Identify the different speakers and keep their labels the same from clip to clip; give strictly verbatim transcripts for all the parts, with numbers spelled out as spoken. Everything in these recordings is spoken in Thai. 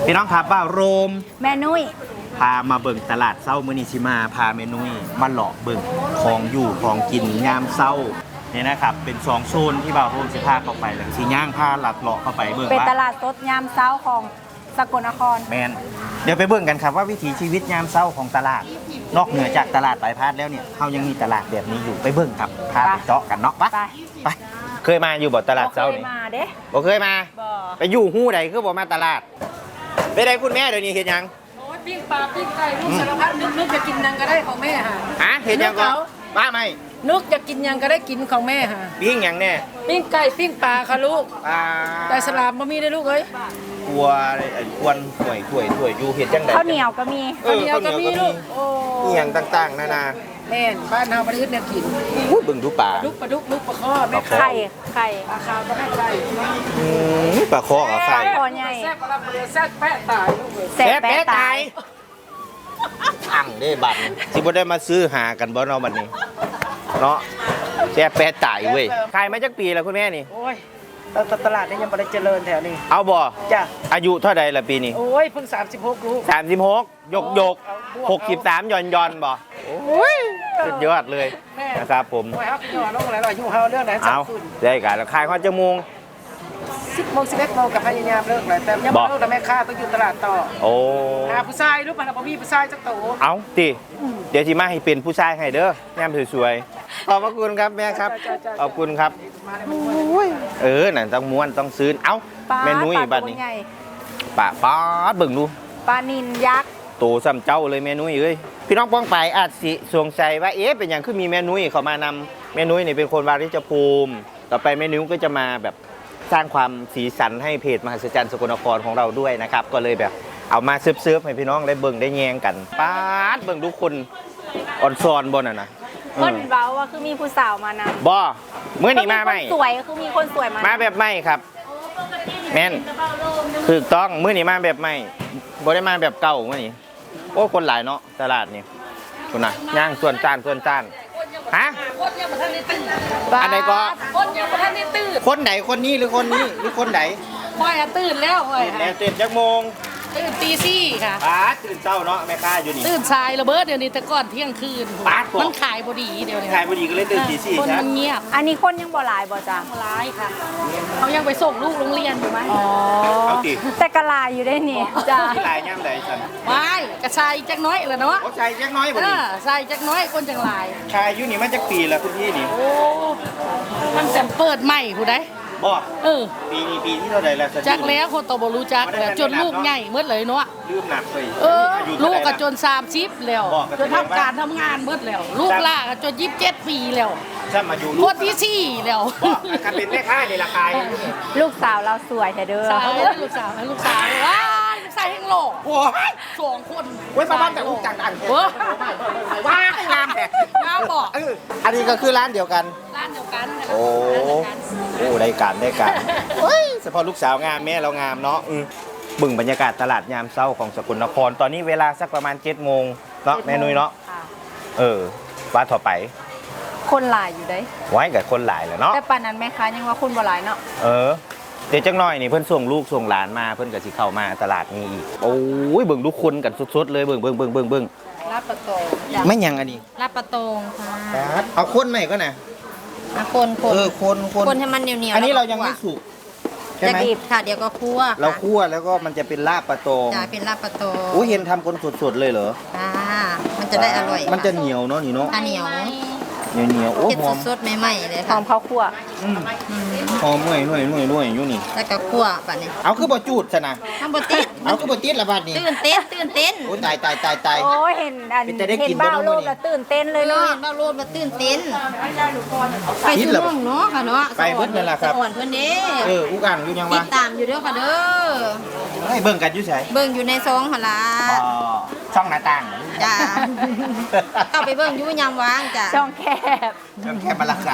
Speaker 1: พี่น้องครับว่าโรม
Speaker 2: แม่นุ้ย
Speaker 1: พามาเบิ่งตลาดเช้ามื้อนี้สิมาพาแม่นุ้ยมาเลาะเบิ่งของอยู่ของกินยามเช้านี่นะครับเป็นสองโซนที่บ่าวโรมสิพาเข้าไปแล้วสิย่างพาลัดเลาะเข้าไปเบิ่ง
Speaker 2: เป็น
Speaker 1: ว่า
Speaker 2: ตลาดสดยามเช้าของสกลนคร
Speaker 1: แมนเดี๋ยวไปเบิ่งกันครับว่าวิถีชีวิตยามเช้าของตลาดนอกเหนือจากตลาดปลายพาดแล้วเนี่ยเขายังมีตลาดแบบนี้อยู่ไปเบิ่งครับพาไปเจาะกันเนาะไปไปเคยมาอยู่บ่ตลาดเช้านี่
Speaker 2: เคยมาเด้
Speaker 1: บ่เคยมาไปอยู่ฮู้ใดคือบ่มาตลาดไปได้คุณแม่เดี๋ยวนี้เฮ็ดหยัง
Speaker 3: โอ้ยปิ้งปลาปิ้งไก่ลูกสารพัดนึกนึกจะกินยังก็ได้ของแม่ค่ะ
Speaker 1: ฮะเฮ็ดหยังก็ป้าไม่
Speaker 3: นึกจะกินยังก็ได้กินของแม่ค่ะ
Speaker 1: ปิ้งหยังแน่
Speaker 3: ปิ้งไก่ปิ้งปลาค่ะลูก
Speaker 1: ปลา
Speaker 3: แต่สลามบ่มีได้ลูกเอ้ย
Speaker 1: กลัวไอ้ควนถ้วยถ้วยถ้วยอยู่เฮ็ดจังได๋
Speaker 2: ข้าวเหนียวก็มี
Speaker 1: ข้าวเหนียวก็มีลูก
Speaker 3: โอ้
Speaker 1: อีหยังต่างๆนานา
Speaker 3: แม่นบ้านเฮาบ่ได้อึดแนวกิน
Speaker 1: อู้บึงดูปลา
Speaker 3: ลูกปลาดุกลูกปลาข้อแม่
Speaker 2: ไข่ไข่
Speaker 3: ปลาขาวก็แม่ไข่
Speaker 1: อืมปลาคอกับไข่
Speaker 2: คอใหญ่
Speaker 3: แซ่บปลาเปลือกแซ่บแปะตายลูกเอ้ย
Speaker 2: แซ่บแปะตาย
Speaker 1: อังเด้บัดสิบ่ได้มาซื้อหากันบ่เนาะบัดนี้เนาะแซ่บแปะตายเว้ยขายมาจักปีแล้วคุณแม่นี่
Speaker 3: โอ้ยตลาดนี่ยังบ่ได้เจริญแถวนี้
Speaker 1: เอาบ่
Speaker 3: จ้ะ
Speaker 1: อายุเท่าใดล่ะปีนี้
Speaker 3: โอ้ยเพิ่งสามสิบหกลูก
Speaker 1: สามสิบหกยกยกหกสิบสามย่อนย่อนบ่โอ้ยสุดยอดเลยนะครับผม
Speaker 3: โอ้ยครับพี่น้องอะไรล่ะอยู่เฮาเรื่องไหน
Speaker 1: เอาได้กันแล้วขายข้าวจมูก
Speaker 3: สิบโมงสิบเอ็ดโมงกับพยายามเลิกเลยแต่ยังไม่เลิกแต่แม่ค้าต้องอยู่ตลาดต่อ
Speaker 1: โอ้
Speaker 3: หาผู้ชายรู้ป่ะเราบ่มีผู้ชายจักโต
Speaker 1: เอาติเดี๋ยวที่มาให้เป็นผู้ชายให้เด้องามสวยๆขอบพระคุณครับแม่ครับขอบคุณครับเออนั่นต้องม้วนต้องซื้อเอ้าแม่นุ้ยบัดนี้ปลาป๊าดเบิ่งดู
Speaker 2: ปลานิลยักษ์
Speaker 1: โตซ้ำเจ้าเลยแม่นุ้ยเอ้ยพี่น้องป้องไปอาจสิสงสัยว่าเอ๊ะเป็นอย่างคือมีแม่นุ้ยเขามานำแม่นุ้ยนี่เป็นคนวาริจภูมิต่อไปแม่นุ้ยก็จะมาแบบสร้างความสีสันให้เพจมหัศจรรย์สกลนครของเราด้วยนะครับก็เลยแบบเอามาเซิร์ฟๆให้พี่น้องได้เบิ่งได้แยงกันป๊าดเบิ่งทุกคนอ่อนซอนบ่น่ะนะ
Speaker 2: คนเว้าว่าคือมีผู้สาวมานำ
Speaker 1: บ่เมื่อนี้มาไหม
Speaker 2: สวยคือมีคนสวยมา
Speaker 1: มาแบบไม่ครับแม่นถูกต้องเมื่อนี้มาแบบไม่บ่ได้มาแบบเก่าเมื่อนี้โอ้คนหลายเนาะตลาดนี่คุณน่ะย่างส่วนจานส่วนจานฮะ
Speaker 3: คนยังบ่ทันได้ตื่น
Speaker 1: อันไหนก็
Speaker 3: คนยังบ่ทันได้ตื่น
Speaker 1: คนไหนคนนี้หรือคนนี้หรือคนไหน
Speaker 3: ค่อยตื่นแล้วค่อย
Speaker 1: แล้วตื่นจักโมง
Speaker 3: ตื่นตีสี่ค่ะ
Speaker 1: ป้าตื่นเช้าเนาะแม่ค้าอยู่นี่
Speaker 3: ตื่นสายระเบิดเดี๋ยวนี้แต่ก่อนเที่ยงคืนมันขายบ่ดีเดี๋ยวนี้
Speaker 1: ขายบ่ดีก็เลยตื่นตีสี่
Speaker 3: คนมันเงียบ
Speaker 2: อันนี้คนยังบ่หลายบ่จ้ะ
Speaker 3: หลายค่ะเขายังไปส่งลูกโรงเรียนอยู่มั้ยอ๋อ
Speaker 1: เอาติ
Speaker 2: แต่กะลายอยู่ได้นี่
Speaker 1: จ้ะหลายยามใดซั่น
Speaker 3: ไม่กระชายจักน้อยล่ะเนาะ
Speaker 1: โอ้ชายจักน้อยบ่นี่
Speaker 3: เออชายจักน้อยคนจังหลาย
Speaker 1: ชายอยู่นี่มันจักปีแล้วคุณพี่นี่
Speaker 3: โอ้มันจะเปิดใหม่ผู้ใด
Speaker 1: บ่
Speaker 3: เออ
Speaker 1: ปีนี้ปีที่เท่าใดแล้ว
Speaker 3: จักแล้วคนโตบ่รู้จักแล้วจนลูกใหญ่หมดเลยเนาะ
Speaker 1: ลืมหนักเลย
Speaker 3: เออลูกก็จนสามสิบแล้วจนทำการทำงานหมดแล้วลูกล่าก็จนยี่สิบเจ็ดปีแล้ว
Speaker 1: ถ้ามาอยู่
Speaker 3: คนที่สี่แล้ว
Speaker 1: คันเป็นแม่ค้านี่ราคา
Speaker 2: ลูกสาวเราสวยแท้เด้อ
Speaker 3: สาวลูกสาวลูกสาวว้าลูกสาวแห่งโลก
Speaker 1: โอ้ย
Speaker 3: สองคน
Speaker 1: เว้ยบ้านแต่ลูกจังดัง
Speaker 3: เว้ย
Speaker 1: ว้างามแท้
Speaker 3: งามบ่
Speaker 1: เอออันนี้ก็คือร้านเดียวกัน
Speaker 3: ร้านเดียวกัน
Speaker 1: โอ้โอ้ได้การได้การเฮ้ยเฉพาะลูกสาวงามแม่เรางามเนาะบึ่งบรรยากาศตลาดยามเช้าของสกลนครตอนนี้เวลาสักประมาณเจ็ดโมงเนาะแม่นุ้ยเนาะเออว่าต่อไป
Speaker 2: คนหลายอยู่ได้
Speaker 1: ไว้กับคนหลายแหละเนาะ
Speaker 2: แต่ปานนั้นแม่ค้ายังว่าคนบ่หลายเนาะ
Speaker 1: เออเดี๋ยวจังหน่อยนี่เพิ่นส่งลูกส่งหลานมาเพิ่นก็สิเข้ามาตลาดนี้อีกโอ้ยเบิ่งทุกคนกันสดๆเลยเบิ่งเบิ่งเบิ่งเบิ่งเบิ่ง
Speaker 3: ลาบปะโตง
Speaker 1: ไม่ยังอันนี้
Speaker 3: ลาบปะโตง
Speaker 1: ค่ะเอาคนใหม่ก็นะ
Speaker 3: คนคน
Speaker 1: เออคนคน
Speaker 3: คนให้มันเหนียวๆ
Speaker 1: อันนี้เรายังไม่สุก
Speaker 3: ใช่ไหมจะดิบค่ะเดี๋ยวก็คั่ว
Speaker 1: เราคั่วแล้วก็มันจะเป็นลาบปะโตง
Speaker 3: จะเป็นลาบปะโตง
Speaker 1: โอ้เห็นทำคนสดๆเลยเหรอ
Speaker 3: อ่ามันจะได้อร่อย
Speaker 1: มันจะเหนียวเนาะนี่เนาะ
Speaker 3: เหนียว
Speaker 1: เหนียวเหนียวโอ้หอม
Speaker 3: สดๆใหม่ๆเลย
Speaker 2: หอมข้าวคั่ว
Speaker 1: หอมหน่วยหน่วยหน่วยหน่วยอยู่นี่
Speaker 3: แล้วก็คั่วป่ะนี่
Speaker 1: เอาคือบ่จูดซะนะ
Speaker 3: ทำบ่ติด
Speaker 1: เอาคือบ่ติดละบาดนี้
Speaker 3: ตื่นเต้นตื่นเต้น
Speaker 1: โอ้ตายตายตายตาย
Speaker 2: โอ้เห็นอันเห็นบ้าโลดแล้วตื่นเต้นเลยเนาะ
Speaker 3: เห็นบ้าโลดแล้วตื่นเต้นไปซื้อน้องเนาะค่ะเนาะ
Speaker 1: ไปเพิ่นนั่นล่ะครับ
Speaker 3: อ่อนเพิ่นเด้
Speaker 1: เอออุกอ่างอยู่ยังวะ
Speaker 3: ติดตามอยู่เด้อค่ะเด้อ
Speaker 1: ให้เบิ่งกันอยู่ไส
Speaker 3: เบิ่งอยู่ในซองหั่นล่ะ
Speaker 1: อ๋อช่องหน้าต่าง
Speaker 3: จ้าเข้าไปเบิ่งอยู่ยามว่างจ้ะ
Speaker 2: ช่องแคบ
Speaker 1: ช่องแคบมาราคา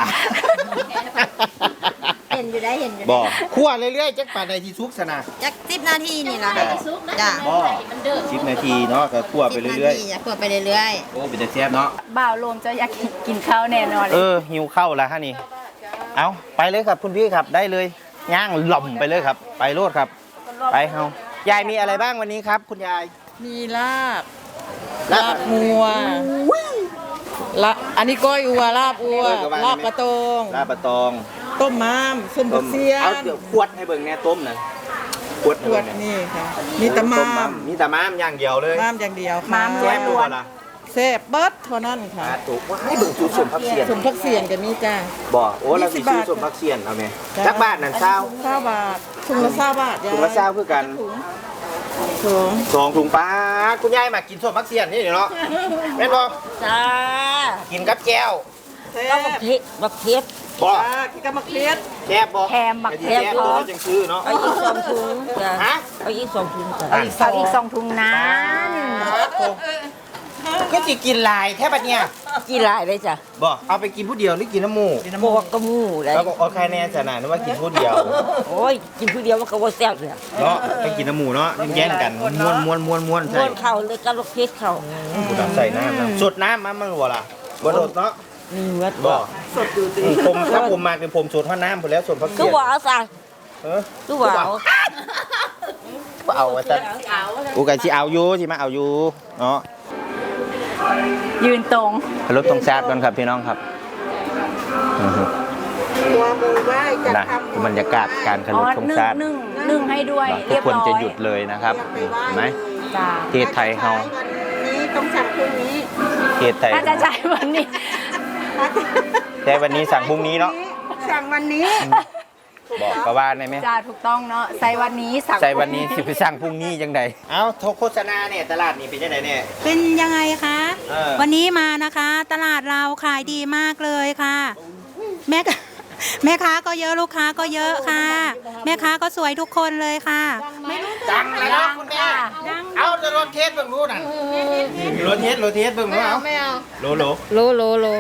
Speaker 3: เห็นอยู่ได้เห็นอยู่
Speaker 1: บ่คั่วเรื่อยๆจักปานใดที่สุกซะนะ
Speaker 3: จักสิบนาทีนี่ล่ะจ้ะ
Speaker 1: บ่สิบนาทีเนาะก็คั่วไปเรื่อย
Speaker 3: ๆอย่าคั่วไปเรื่อย
Speaker 1: ๆโอ้เป็นแต่แซ่บเนาะ
Speaker 2: บ่าวโลมจะอยากกินข้าวแน่นอนเลย
Speaker 1: เออหิวข้าวแล้วฮะนี่เอาไปเลยครับคุณพี่ครับได้เลยย่างหล่อมไปเลยครับไปโลดครับไปเฮายายมีอะไรบ้างวันนี้ครับ คุณยาย
Speaker 4: มีลาบ
Speaker 1: ลา
Speaker 4: ลา
Speaker 1: บ
Speaker 4: บงัวละอันนี้ก้อยอัวลาบอัว
Speaker 1: เออก็ว่า
Speaker 4: ลาบปลาตอง
Speaker 1: ลาบปะตอง
Speaker 4: ต้มม้ามส้มผักเสีย
Speaker 1: เอา
Speaker 4: น
Speaker 1: เดี๋ยวขวดให้เบิ่งแน่ต้มนะขวดให้
Speaker 4: ขว
Speaker 1: เบิ่
Speaker 4: ด
Speaker 1: งแน่
Speaker 4: นี่ค่ะ มีแตะม้าม
Speaker 1: มีแต่ม้ามอย่างเดียวเลย
Speaker 4: ม้ามอย่างเดียวค่ะ
Speaker 2: ม้าม
Speaker 1: แซ่บดูบ่ล่ะ
Speaker 4: แซ่บเบิดเท่านั้นค่ะ
Speaker 1: อ่าถูกว่าให้เบิ่งสูตรสมพักเสียน
Speaker 4: สมผักเสียนกับมีจ้า
Speaker 1: บ่โอ้เราสิ
Speaker 4: ยี่สิบบา
Speaker 1: ซื้อ
Speaker 4: ท
Speaker 1: สมพักเสียนเอาไหม
Speaker 4: จ้
Speaker 1: จักบาทนั่นเช้า
Speaker 4: เก้าบาทถุงละเก้าบาทยาย
Speaker 1: ถุงละเช้าคือกัน
Speaker 4: ถุง
Speaker 1: สองถุงปลาคุณยายมากินสมพักเสียนนี่เนาะแม่นบ่
Speaker 5: จ้า
Speaker 1: กินกับแก้ว
Speaker 4: แซ่
Speaker 5: ก็
Speaker 4: บ
Speaker 5: บักเพ็ดบักเพ็ด
Speaker 1: บ่
Speaker 4: จ้ากินกับมะเขือ
Speaker 1: แซ่บบ่
Speaker 2: แถมบัก
Speaker 1: ไอ้ที่แซ่บตัวเราจังซื้อเนาะ
Speaker 5: เอาอีกสองถุงจ้า
Speaker 1: ฮะ
Speaker 5: เอาอีกสองถุงจ้า
Speaker 1: อ่ะ
Speaker 2: เอาอีกสองถุงนั้น
Speaker 1: ก็สิกินหลายแค่บัดเนี่ย
Speaker 5: กี่ลายเลยจ้ะ
Speaker 1: บ่เอาไปกินผู้เดียวหรือกินน้ำหมู
Speaker 5: บวกกระมูเลย
Speaker 1: แล้วก็เอาแค่แน่จะนะนึกว่ากินผู้เดียว
Speaker 5: โอ้ยกินผู้เดียวมันก็บ่แซ่บเลย
Speaker 1: เนาะไปกินน้ำหมูเนาะแย่งกันม้วนม้วนม้วนม้วน
Speaker 5: ม้
Speaker 1: ใส่
Speaker 5: วนเข่าเลยกับบักเพ็ดเข่า
Speaker 1: กูดับใส่น้ำนะสดน้ำมันมันหัวล่ะบ่โดดเนาะ
Speaker 5: มีเมือด
Speaker 1: บ่สดอยู่ดีผมถ้าผมมาเป็นผมสดเท่าน้ำผมแล้วสดพัก
Speaker 5: คื
Speaker 1: เสี
Speaker 5: อย
Speaker 1: น
Speaker 5: ว่าเอาซะ
Speaker 1: เออ
Speaker 5: คือว่าเอา
Speaker 1: บ่เอาว่าซั่นกูก็สิเอาอยู่สิมาเอาอยู่เนาะ
Speaker 2: ยืนตรง
Speaker 1: รถตรงชาติก่อนครับพี่น้องครับอือฮึ
Speaker 4: ตัวมือไหว้จะ
Speaker 1: นะ
Speaker 4: ทำ
Speaker 1: บรรยากาศการเคา
Speaker 2: อ๋
Speaker 1: ร
Speaker 2: อ
Speaker 1: พธง
Speaker 2: นึ่ง
Speaker 1: ชาติ
Speaker 2: นึ่งนึ่งให้ด้วย
Speaker 1: ทุ
Speaker 2: เรี
Speaker 1: ก
Speaker 2: ยบ
Speaker 1: คน
Speaker 2: ร้อย
Speaker 1: จะหยุดเลยนะครับเห็นไหม
Speaker 2: จ้า
Speaker 1: ประเทศไทยเฮา
Speaker 4: วันนี้ต้องสั่งพรุ่งนี้
Speaker 1: ประเทศไทย
Speaker 2: ถ้าจะจ่ายวันนี้
Speaker 1: แต่วันนี้สั่งพรุ่งนี้เนาะ
Speaker 4: สั่งวันนี้
Speaker 1: บอกกว่าได้ไหม
Speaker 2: จ้าถูกต้องเนาะใส่วันนี้สั่ง
Speaker 1: ใส่วันนี้สิไปสั่งพรุ่งนี้จังใดเอ้าโฆษณาเนี่ยตลาดนี่เป็นจังไดเนี่ย
Speaker 6: เป็นยังไงคะ
Speaker 1: เออ
Speaker 6: วันนี้มานะคะ ตลาดเราขายดีมากเลยค่ะ แม่ค้า แม่ค้าก็เยอะลูกค้าก็เยอะค่ะ แม่ค้าก็สวยทุกคนเลยค่ะ
Speaker 1: ดังแล้วนะคุณแม่เอาจะรถเทสเบิ่งรู้น่ะรถเทสรถเทสเบิ่งรู้เอาไม่เอาโลโล
Speaker 5: โลโลโล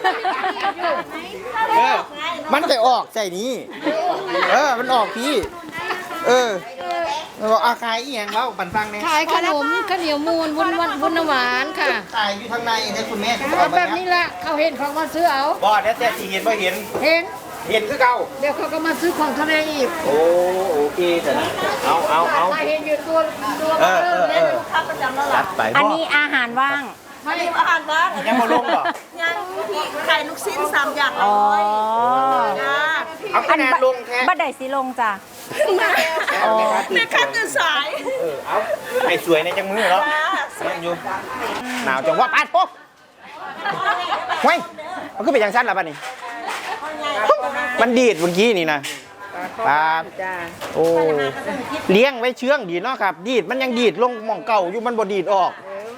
Speaker 1: เออมันจะออกใส่นี้เออมันออกพี่เออแล้วก็อาคายอีหยังเล่าปันฟังเนี่ย
Speaker 3: ขายขนมข้าวเหนียวมูนวุ้นวันวุ้นน้ำหวานค่ะ
Speaker 1: ขายอยู่ทางในเนี่ยคุณแม่
Speaker 3: เอาแบบนี้ละเขาเห็นเขามาซื้อเอา
Speaker 1: บอดแล้วแต่ที่เห็นว่าเห็น
Speaker 3: เห็น
Speaker 1: เห็นคือเก่า
Speaker 3: เดี๋ยวเขาก็มาซื้อของทะเลอีก
Speaker 1: โอ้โอเคแต่นะเอาเอาเอา
Speaker 3: ถ้าเห็นอยู่ตัวตัว
Speaker 1: เออเออเออจัดไป
Speaker 2: อัน
Speaker 1: พ่อ
Speaker 2: นี้อาหารว่าง
Speaker 3: ไม่
Speaker 4: อาหารบ้าน
Speaker 1: ยังมาลงเหรอ
Speaker 4: ยังไข่ลูกชิ้นสามอย่าง
Speaker 2: อ๋อ
Speaker 4: จ้า
Speaker 1: เอาคะแนนลงแค่
Speaker 2: บัดใดสิลงจ้ะ
Speaker 4: แม่ค้าตื่นสาย
Speaker 1: เออเอาไอ้สวยในจังมือเหรอแม่นอยู่หนาวจังว่าปาดปุ๊บเฮ้ยมันก็เป็นอย่างสั้นละป่ะนี่มันดีดเมื่อกี้นี่นะปาดโอ้เลี้ยงไว้เชื่องดีเนาะครับ ดีดมันยังดีดลงหม่องเก่าอยู่มันบ่ดีดออก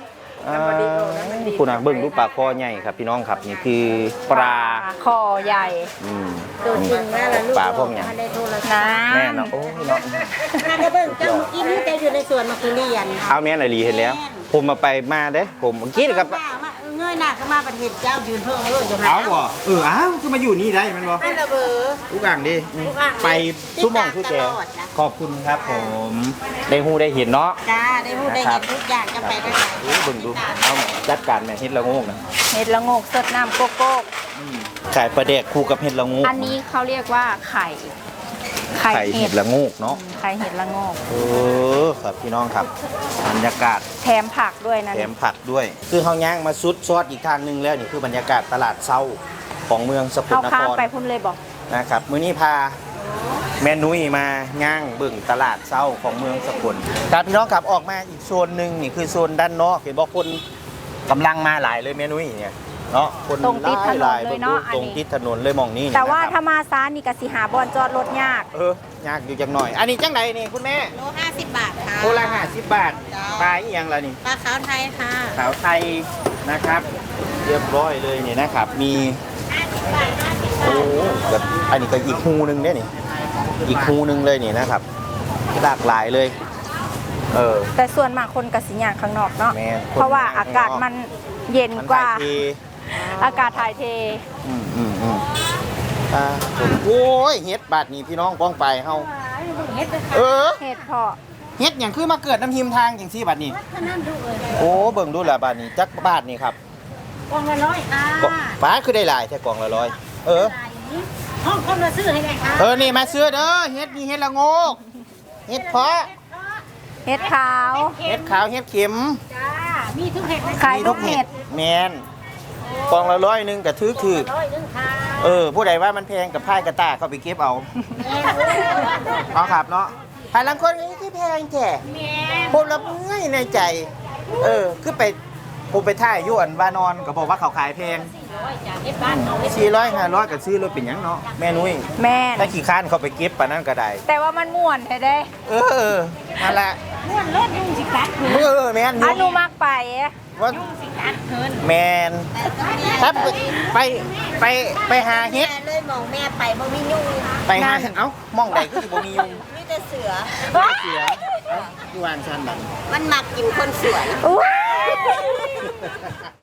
Speaker 1: คุณอ่ะเบิ่งดูปลาคอใหญ่ครับพี่น้องครับนี่คือปลา
Speaker 2: คอใหญ่
Speaker 1: อืมปลาพวกเนี้ย
Speaker 2: น้
Speaker 1: แม่เนาะโอ้ยเนาะ
Speaker 4: ถ้าได้เบิ่งเจ้ากินที่แกอยู่ในสวนมาคุเรียน
Speaker 1: เอาแม่นายลีเห็นแล้ว ผมมาไปมาเด้ผมเมื่อกี้นี่ครับ
Speaker 4: เงยหน้าก็มาประเทศเจ้ายืนเพิ่งเอออยู่
Speaker 1: เอาบ่เอออ้าวคือมาอยู่นี่ได้มันบ่
Speaker 4: ให้ระเบอ
Speaker 1: ทุกอย่างดิไปทุกหมองทุกแจขอบคุณครับผมได้ฮู้ได้เห็นเนาะ
Speaker 4: จ้าได้พูดได้เห็นทุกอย่างจะไปได้ไหน
Speaker 1: ดูเบิ่งดูเอาจัดการแม่เฮ็ดละโงกนะ
Speaker 2: ำเห็ดละโงกสดน้ำโกโก้
Speaker 1: ขายปลาแดกคู่กับเห็ดละโงก
Speaker 2: อันนี้เขาเรียกว่าไข่ ไข่
Speaker 1: ไข่
Speaker 2: เห็
Speaker 1: เห็
Speaker 2: ด
Speaker 1: ดละโงกเนาะ
Speaker 2: ไข่เห็ดละโงก
Speaker 1: เออครับพี่น้องครับบรรยากาศ
Speaker 2: แถมผักด้วยนะ
Speaker 1: แถมผักด้วย คือเฮาย่างมาซุดซอดอีกทางหนึงแล้วนี่คือบรรยากาศตลาดเช้าของเมืองสกล
Speaker 2: เข้าน
Speaker 1: ค
Speaker 2: ข้าม
Speaker 1: ร
Speaker 2: ไปพุ่นเลยบอก
Speaker 1: นะครับมื้อนี้พาแม่นุ้ยมาย่างเบิ่งตลาดเช้าของเมืองสกลครับพี่น้องครับออกมาอีกโซนหนึ่งนี่คือโซนด้านนอกเห็นบอกคนกำลังมาหลายเลยแม่นุ้ยเนี่ยเนาะคน
Speaker 2: ตรงติดถนน
Speaker 1: หลาย
Speaker 2: เลย
Speaker 1: ๆ
Speaker 2: เนาะ
Speaker 1: ตรง
Speaker 2: อันนี้
Speaker 1: ติดถนนเลยมองนี่
Speaker 2: แต่ว่า
Speaker 1: นะครับ
Speaker 2: ถ้ามาซ้านนี่กสิหาบอลจอดรถยาก
Speaker 1: เออยากอยู่จังหน่อย อันนี้จังไหนนี่คุณแม่
Speaker 4: โลห้าสิบบาทค่ะ
Speaker 1: โคละห้าสิบบาทปลาอีหยังล่ะนี่
Speaker 4: ปลาขาวไทยค่ะ
Speaker 1: ขาวไทยนะครับ เรียบร้อยเลยนี่นะครับ มีโอ้แบบอันนี้ก็อีกฮูหนึงเนี่ยนี่อีกฮูหนึงเลยนี่นะครับหลากหลายเลย เออ
Speaker 2: แต่ส่วนมากคนกสิยางข้างนอกเนาะ
Speaker 1: แม่น
Speaker 2: เพราะว่าอากาศมันเย็นกว่า
Speaker 1: มันถ่ยเท
Speaker 2: อากาศถ่ายเท
Speaker 1: อืมอืมอืมอ่าโอ้ยเฮ็ดบาทนี่พี่น้องป้องไปเฮาเออ
Speaker 2: เห็ดเพาะ
Speaker 1: เฮ็ดอย่างคือมาเกิดน้ำหิมทางอย่างซี่บาทนี่โอ้เบิ่งดูแลบาทนี่จักบาทนี่ครับ
Speaker 4: กล่องละร้อยค่ะ
Speaker 1: ก็บาทคือได้หลายแค่กล่องละร้อยเออ
Speaker 4: ห้องคนมาซื้อให้ไงคะ
Speaker 1: เออนี่มาซื้อเด้อเฮ็ดนี่เฮ็ดละโงกเฮ็ดเพาะ
Speaker 2: เห็ดขาว
Speaker 1: เห็ดขาวเห็ดเข็ม
Speaker 3: มีทุกเห็ด
Speaker 2: ขายทุกเห็ด
Speaker 1: แมนกองละร้อยหนึงกับถือถือเออ ผู้ใดว่ามันแพงกับพายกระตาเขาไปเก็บเอาเอาครับเนาะหาลังคนนี้ที่แพงแท้ผมละเมื่อยในใจ เออ คือไปผมไปท่ายอยวนวานอนก็บอกว่าเขาขายแพงสี่ร้อยห้าร้อยก็ซื้อรถเป็นหยังเนาะแม่นุ้ย
Speaker 2: แม่น
Speaker 1: ถ้าขี่ข้านเขาไปเก็บปะนั่นก็ได้
Speaker 2: แต่ว่ามันม่วนแท้เด้
Speaker 1: เออนั่นแหละม่วนรถยุ่งสิกัดเออแม่น
Speaker 2: อนุมักไป
Speaker 1: ว่าแมนถ้าไปไปไปหาเฮ็ด
Speaker 7: แม่เลยมองแม่ไปบ่มียุง
Speaker 1: ไปหาเอ้ามองใดก็สิบ่มียุง
Speaker 7: มีแต่เสือ
Speaker 1: เสือเอ้าที่วางชันบัด
Speaker 7: มันมักกินคนสวย
Speaker 2: อุ๊ย